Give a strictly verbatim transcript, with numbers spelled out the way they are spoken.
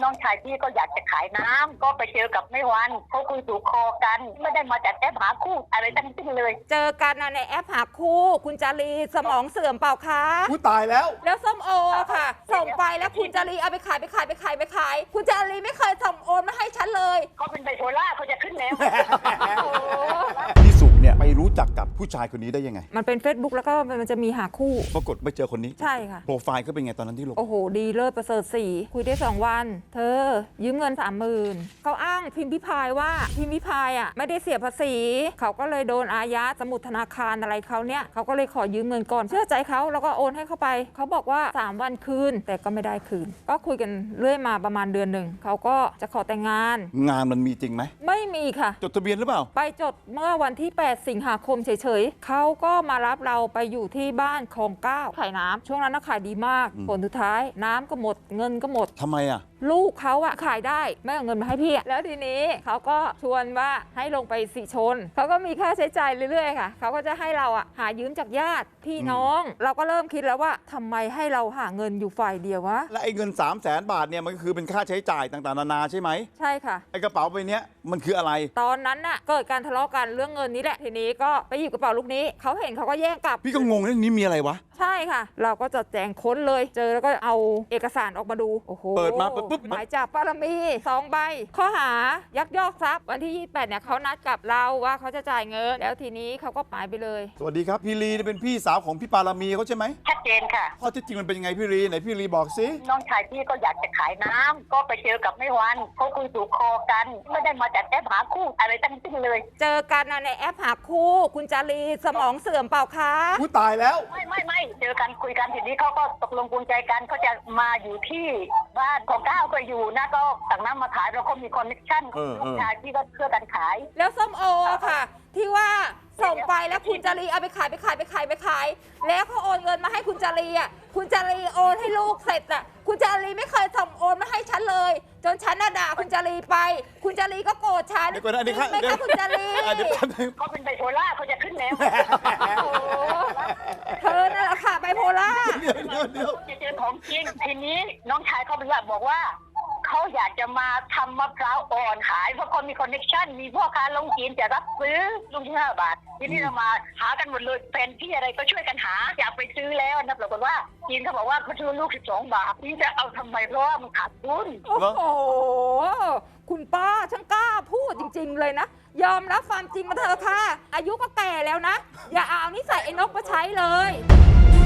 น้องชายพี่ก็อยากจะขายน้ำก็ไปเจอกับแม่วันเขาคุยถูกคอกันไม่ได้มาจากแอปหาคู่อะไรทั้งสิ้นเลยเจอกันในแอปหาคู่คุณจารีสมองเสื่อมเปล่าคะผู้ตายแล้วแล้วส้มโอค่ะส่งไปแล้วคุณจารีเอาไปขายไปขายไปขายไปขายคุณจารีไม่เคยส่งโอนมาให้ฉันเลยเขาเป็นไบโพล่าเขาจะขึ้นแล้วพี่สุเนี่ยไปรู้จักกับผู้ชายคนนี้ได้ยังไงมันเป็น Facebook แล้วก็มันจะมีหาคู่ปรากฏไปเจอคนนี้ใช่ค่ะโปรไฟล์เขาเป็นไงตอนนั้นที่ลงโอ้โหดีเลิศประเสริฐสีคุยได้สองวันเธอยืมเงินสามหมื่นเขาอ้างพิมพิพายว่าพิมพิพายอ่ะไม่ได้เสียภาษีเขาก็เลยโดนอายัดสมุดธนาคารอะไรเขาเนี่ยเขาก็เลยขอยืมเงินก่อนเชื่อใจเขาแล้วก็โอนให้เขาไปเขาบอกว่าสามวันคืนแต่ก็ไม่ได้คืนก็คุยกันเรื่อยมาประมาณเดือนหนึ่งเขาก็จะขอแต่งงานงานมันมีจริงไหมไม่มีค่ะจดทะเบียนหรือเปล่าไปจดเมื่อวันที่แปดสิงหาคมเฉยๆเขาก็มารับเราไปอยู่ที่บ้านคลองเก้าขายน้ำช่วงนั้นน่ะขายดีมากผลสุดท้ายน้ำก็หมดเงินก็หมดทำไมอ่ะลูกเขาอะขายได้ไม่เอาเงินมาให้พี่แล้วทีนี้เขาก็ชวนว่าให้ลงไปสิชนเขาก็มีค่าใช้จ่ายเรื่อยๆค่ะเขาก็จะให้เราอะหายืมจากญาติพี่น้องเราก็เริ่มคิดแล้วว่าทำไมให้เราหาเงินอยู่ฝ่ายเดียววะและไอ้เงิน สามแสน บาทเนี่ยมันก็คือเป็นค่าใช้จ่ายต่างๆนานาใช่ไหมใช่ค่ะไอ้กระเป๋าใบนี้มันคืออะไรตอนนั้นน่ะเกิดการทะเลาะกันเรื่องเงินนี้แหละทีนี้ก็ไปหยิบกระเป๋าลูกนี้เขาเห็นเขาก็แย่งกลับพี่ก็งงเรื่องนี้มีอะไรวะใช่ค่ะเราก็จะแจงค้นเลยเจอแล้วก็เอาเอกสารออกมาดูโอ้โหเปิดมาปุ๊บหมายจับปารมีสองใบข้อหายักยอกทรัพย์วันที่ยี่สิบแปดเนี่ยเขานัดกับเราว่าเขาจะจ่ายเงินแล้วทีนี้เขาก็หายไปเลยสวัสดีครับพี่ลีเป็นพี่สาวของพี่ปารามีเขาใช่ไหมชัดเจนค่ะข้อเท็จจริงมันเป็นยังไงพี่ลีไหนพี่ลีบอกสิน้องชายพี่ก็อยากจะขายน้ำก็ไปเจอกับแม่วันเขาคุยถูกคอกันไม่ได้มาจากแอปหาคู่อะไรทั้งสิ้นเลยเจอกันในแอปหาคู่คุณจารีสมองเสื่อมเปล่าคะผู้ตายแล้วไม่ไม่ไม่เจอกันคุยกันทีนี้เขาก็ตกลงปลงใจกันเขาจะมาอยู่ที่บ้านของก้าวก็อยู่นะก็สั่งน้ำมาขายแล้วก็มีคอนเนคชั่นลูกชายพี่ก็เพื่อกันขายแล้วส้มโอค่ะที่ว่าส่งไปแล้วคุณจารีเอาไปขายไปขายไปขายไปขายแล้วเขาโอนเงินมาให้คุณจารีอ่ะคุณจารีโอนให้ลูกเสร็จอ่ะคุณจารีไม่เคยส่งโอนมาให้ฉันเลยจนฉันน่ะด่าคุณจารีไปคุณจารีก็โกรธฉันเดี๋ยวก่อนนะเดี๋ยวไม่ค่ะคุณจารีเขาเป็นไบโพล่าเขาจะขึ้นแล้วเธอนั่นแหละค่ะไบโพล่าจะเจอของจริงทีนี้น้องชายเขาบอกว่าเขาอยากจะมาทำมะพร้าวอ่อนขายเพราะคนมีคอนเนคชั่นมีพ่อค้าลงจีนจะรับซื้อลุงที่ห้าบาททีนี้เรามาหากันหมดเลยแฟนพี่อะไรก็ช่วยกันหาอยากไปซื้อแล้วนะปรากฏว่าจีนเขาบอกว่าเขาซื้อลูกสิบสองบาทพี่จะเอาทำไมเพราะว่ามันขาดทุนโอ้โหคุณป้าช่างกล้าพูดจริงๆเลยนะยอมรับความจริงมาเถอะค่ะอายุก็แก่แล้วนะอย่าเอานิสัยไอ้นกมาใช้เลย